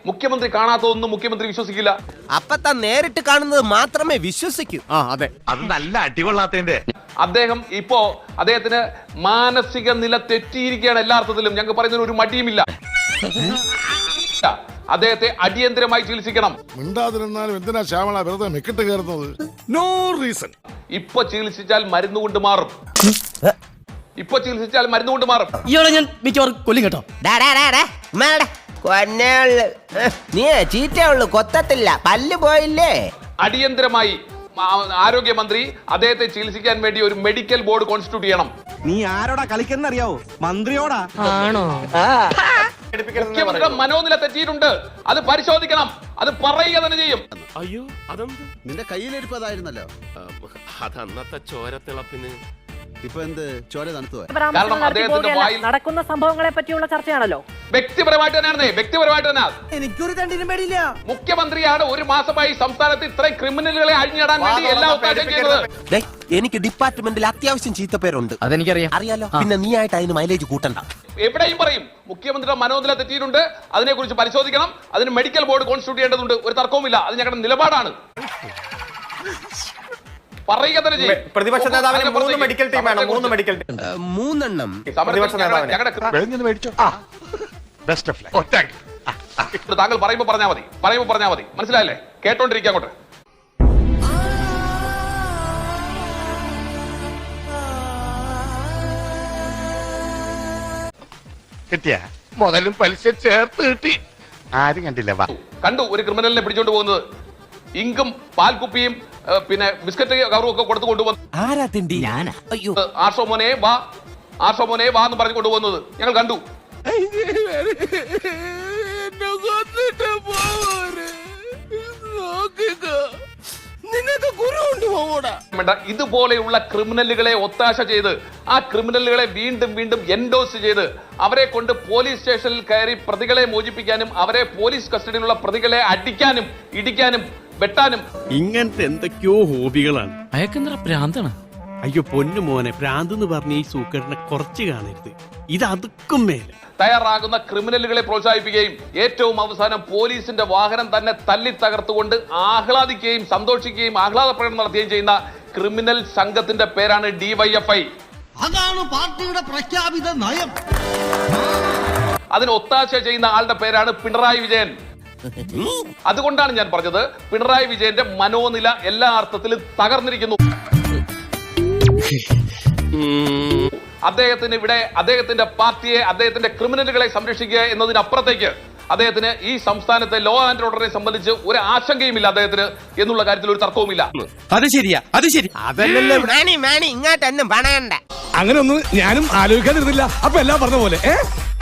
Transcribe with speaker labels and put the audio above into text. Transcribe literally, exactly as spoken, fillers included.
Speaker 1: മുഖ്യമന്ത്രി കാണാത്തതൊന്നും മുഖ്യമന്ത്രി വിശ്വസിക്കില്ല.
Speaker 2: അപ്പൊ താൻ നേരിട്ട് കാണുന്നത് മാത്രമേ വിശ്വസിക്കൂ.
Speaker 3: ആ അതെ, അത് നല്ല അടികൊള്ളാത്തതിന്റെ.
Speaker 1: അദ്ദേഹം ഇപ്പോ അദ്ദേഹത്തിന് മാനസിക നില തെറ്റിയിരിക്കുകയാണ് എല്ലാ അർത്ഥത്തിലും. ഞങ്ങൾക്ക് പറയുന്നതിന് ഒരു മടിയുമില്ല. അദ്ദേഹത്തെ അടിയന്തരമായി ചികിത്സിക്കണം.
Speaker 4: മിണ്ടാതിരുന്നാലും എന്തിനാ ശ്യാമള വെറുതെ മെക്കിട്ട് കയറുന്നത്?
Speaker 3: No reason.
Speaker 1: ഇപ്പൊ ചികിത്സിച്ചാൽ മരുന്ന് കൊണ്ട് മാറും. ഇപ്പൊ ചികിത്സിച്ചാൽ മരുന്ന് കൊണ്ട് മാറും.
Speaker 5: ഇയാളെ ഞാൻ മിക്കവാറും കൊല്ലും കേട്ടോ.
Speaker 2: നീ ചീറ്റേ ഉള്ളു, കൊത്തത്തില്ല, പല്ല് പോയില്ലേ.
Speaker 1: അടിയന്തരമായി ആരോഗ്യമന്ത്രി അദ്ദേഹത്തെ ചികിത്സിക്കാൻ വേണ്ടി ഒരു മെഡിക്കൽ ബോർഡ് കോൺസ്റ്റിറ്റ്യൂട്ട് ചെയ്യണം.
Speaker 6: നീ ആരോടാ കളിക്കുന്നറിയാവോ? മന്ത്രിയോടാ.
Speaker 5: ആണോ?
Speaker 1: മുഖ്യമന്ത്രിയുടെ മനോനില തെറ്റിയിട്ടുണ്ട്, അത് പരിശോധിക്കണം, അത് പറയുക തന്നെ ചെയ്യും.
Speaker 3: അയ്യോ, അതെന്ത്?
Speaker 7: നിന്റെ കയ്യിലിരിപ്പതായിരുന്നല്ലോ.
Speaker 3: അതന്നത്തെ ചോരത്തിളപ്പിന്
Speaker 7: ഇപ്പൊ എന്ത് ചോര തണുത്തു?
Speaker 1: കാരണം അദ്ദേഹത്തിന്റെ വായിൽ
Speaker 8: നടക്കുന്ന സംഭവങ്ങളെ പറ്റിയുള്ള ചർച്ചയാണല്ലോ.
Speaker 1: വ്യക്തിപരമായിട്ട് തന്നെയാണ് വ്യക്തിപരമായിട്ട് തന്നെ
Speaker 6: എനിക്കൊരു തണ്ടിനും പേടിയില്ല.
Speaker 1: മുഖ്യമന്ത്രിയാണ് ഒരു മാസമായി സംസ്ഥാനത്ത് ഇത്രയും ക്രിമിനലുകളെ അഴിഞ്ഞിടാൻ വേണ്ടി എല്ലാ ഉദ്ദേശം ചെയ്തത്.
Speaker 2: എനിക്ക് ഡിപ്പാർട്ട്മെന്റിൽ അത്യാവശ്യം ചീത്തപ്പേരുണ്ട്.
Speaker 5: അതെനിക്കറിയാം.
Speaker 2: അറിയാലോ. പിന്നെ നീ ആയിട്ട് അതിന് മൈലേജ് കൂട്ടണ്ട.
Speaker 1: എവിടെയും പറയും മുഖ്യമന്ത്രിയുടെ മനോനില തെറ്റിയിട്ടുണ്ട്, അതിനെക്കുറിച്ച് പരിശോധിക്കണം, അതിന് മെഡിക്കൽ ബോർഡ് കോൺസ്റ്റിറ്റ്യൂട്ട് ചെയ്യേണ്ടതുണ്ട്. ഒരു തർക്കവുമില്ല, അത് ഞങ്ങളുടെ നിലപാടാണ്. പറയുക തന്നെ ചെയ്യും.
Speaker 9: പ്രതിപക്ഷ നേതാവിന് മൂന്ന് മെഡിക്കൽ ടീമാണ്. മൂന്ന് മെഡിക്കൽ ടീം,
Speaker 2: മൂന്നെണ്ണം.
Speaker 9: പ്രതിപക്ഷ നേതാവിന്.
Speaker 1: താങ്കൾ പറയുമ്പോ പറഞ്ഞാൽ മതി, പറയുമ്പോ പറഞ്ഞാൽ മതി. മനസ്സിലായല്ലേ? കേട്ടോണ്ടിരിക്കുക അങ്ങോട്ട്.
Speaker 3: കിട്ടിയ മുതലും പലിശ ചേർത്ത് കിട്ടി. ആരും കണ്ടില്ല.
Speaker 1: കണ്ടു ഒരു ക്രിമിനലിനെ പിടിച്ചോണ്ട് പോകുന്നത്. ഇങ്കും പാൽക്കുപ്പിയും പിന്നെ ബിസ്ക്കറ്റ് കവറും ഒക്കെ കൊടുത്തു കൊണ്ടുവന്നു.
Speaker 2: ആരാ തിണ്ടി? ഞാനാ. അയ്യോ,
Speaker 1: ആർഷോ മോനെ വാ, ആർഷോ മോനെ വാ എന്ന് പറഞ്ഞു കൊണ്ടുപോകുന്നത് ഞങ്ങൾ കണ്ടു. ഇതുപോലെയുള്ള ക്രിമിനലുകളെ ഒത്താശ ചെയ്ത് ആ ക്രിമിനലുകളെ വീണ്ടും വീണ്ടും എൻഡോസ് ചെയ്ത് അവരെ കൊണ്ട് പോലീസ് സ്റ്റേഷനിൽ കയറി പ്രതികളെ മോചിപ്പിക്കാനും അവരെ പോലീസ് കസ്റ്റഡിയിലുള്ള പ്രതികളെ അടിക്കാനും ഇടിക്കാനും വെട്ടാനും
Speaker 10: ഇങ്ങനത്തെ എന്തൊക്കെയോ ഹോബികളാണ്.
Speaker 5: അയക്കെന്തറ പ്രാന്താണ്.
Speaker 10: അയ്യോ പൊന്നു മോനെ, ഭ്രാന്ത് എന്ന് പറഞ്ഞ ഈ സൂക്കറിനെ കുറച്ച് കാണരുത്. ഇത് അതുക്കും മേലെ
Speaker 1: തയ്യാറാകുന്ന ക്രിമിനലുകളെ പ്രോത്സാഹിപ്പിക്കുകയും ഏറ്റവും അവസാനം പോലീസിന്റെ വാഹനം തന്നെ തല്ലി തകർത്തുകൊണ്ട് ആഹ്ലാദിക്കുകയും സന്തോഷിക്കുകയും ആഹ്ലാദ പ്രകടനം നടത്തുകയും ചെയ്യുന്ന ക്രിമിനൽ സംഘത്തിന്റെ പേരാണ് ഡിവൈഎഫ്ഐ.
Speaker 6: അതാണ് പാർട്ടിയുടെ പ്രഖ്യാപിത നയം.
Speaker 1: അതിന് ഒത്താശ ചെയ്യുന്ന ആളുടെ പേരാണ് പിണറായി വിജയൻ. അതുകൊണ്ടാണ് ഞാൻ പറഞ്ഞത് പിണറായി വിജയന്റെ മനോനില എല്ലാ അർത്ഥത്തിലും തകർന്നിരിക്കുന്നു. അദ്ദേഹത്തിന് ഇവിടെ അദ്ദേഹത്തിന്റെ പാർട്ടിയെ അദ്ദേഹത്തിന്റെ ക്രിമിനലുകളെ സംരക്ഷിക്കുക എന്നതിനപ്പുറത്തേക്ക് അദ്ദേഹത്തിന് ഈ സംസ്ഥാനത്തെ ലോ ആൻഡ് ഓർഡറിനെ സംബന്ധിച്ച് ഒരു ആശങ്കയുമില്ല അദ്ദേഹത്തിന് എന്നുള്ള കാര്യത്തിൽ ഒരു തർക്കവുമില്ല.
Speaker 10: അത് ശരിയാ, അത് ശരി.
Speaker 2: അതല്ലല്ലോ മാണി മാണി ഇങ്ങോട്ടൊന്നും പണയണ്ട.
Speaker 10: അങ്ങനെ ഒന്നും ഞാനും ആലോചിക്കാതിരുന്നില്ല. അപ്പൊ എല്ലാം പറഞ്ഞ പോലെ.